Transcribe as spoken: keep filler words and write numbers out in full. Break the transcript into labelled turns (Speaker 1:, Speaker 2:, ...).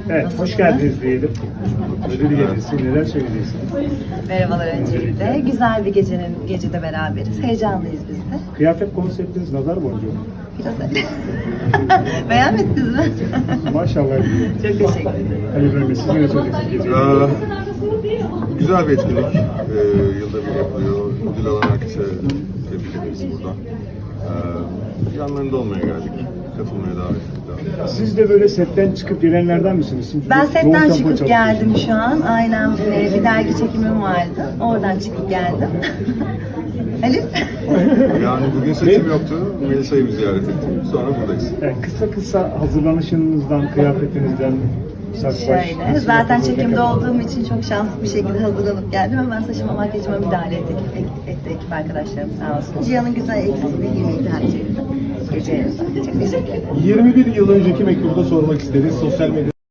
Speaker 1: Evet,
Speaker 2: Nasılsınız?
Speaker 1: hoş geldiniz diyelim. Ödül gecesi, neler söyleyeceksiniz?
Speaker 2: Merhabalar öncelikle. Güzel bir gecenin gecede beraberiz. Heyecanlıyız biz de.
Speaker 1: Kıyafet konseptiniz nazar boncuğu.
Speaker 2: Biraz öyle. Beğenmediniz mi?
Speaker 1: Maşallah.
Speaker 2: Çok teşekkür ederim.
Speaker 1: Ali Bey, siz ne söyleyeceksiniz geceyi?
Speaker 3: Ee, güzel bir etkinlik. Ee, yılda bir yapılıyor. Ödül alan herkese tebrik ederiz burada. Ee, yanlarında olmaya geldik. Katılmaya davet ettik.
Speaker 1: Siz de böyle setten çıkıp gelenlerden misiniz? Çünkü
Speaker 2: Ben
Speaker 1: yoğun
Speaker 2: setten
Speaker 1: tempo
Speaker 2: çıkıp
Speaker 1: çalışıyorsunuz.
Speaker 2: geldim şu an. Aynen e, bir dergi çekimim vardı. Oradan çıkıp geldim. Ali?
Speaker 3: Yani bugün seçim yoktu. Melisa'yı bir ziyaret ettim. Sonra buradayız.
Speaker 1: Yani kısa kısa hazırlanışınızdan, kıyafetinizden, saç baş...
Speaker 2: Şöyle, zaten çekimde olduğum için çok şanslı bir şekilde hazırlanıp geldim. Hemen saçıma, makyajıma müdahale etti, etti ekip arkadaşlarım sağ olsun. Cihan'ın güzel elbisesini giymeyi tercih ettim. Gece yarısı. Çok teşekkür ederim.
Speaker 4: yirmi bir yıl önceki mektubda sormak isteriz. Sosyal medya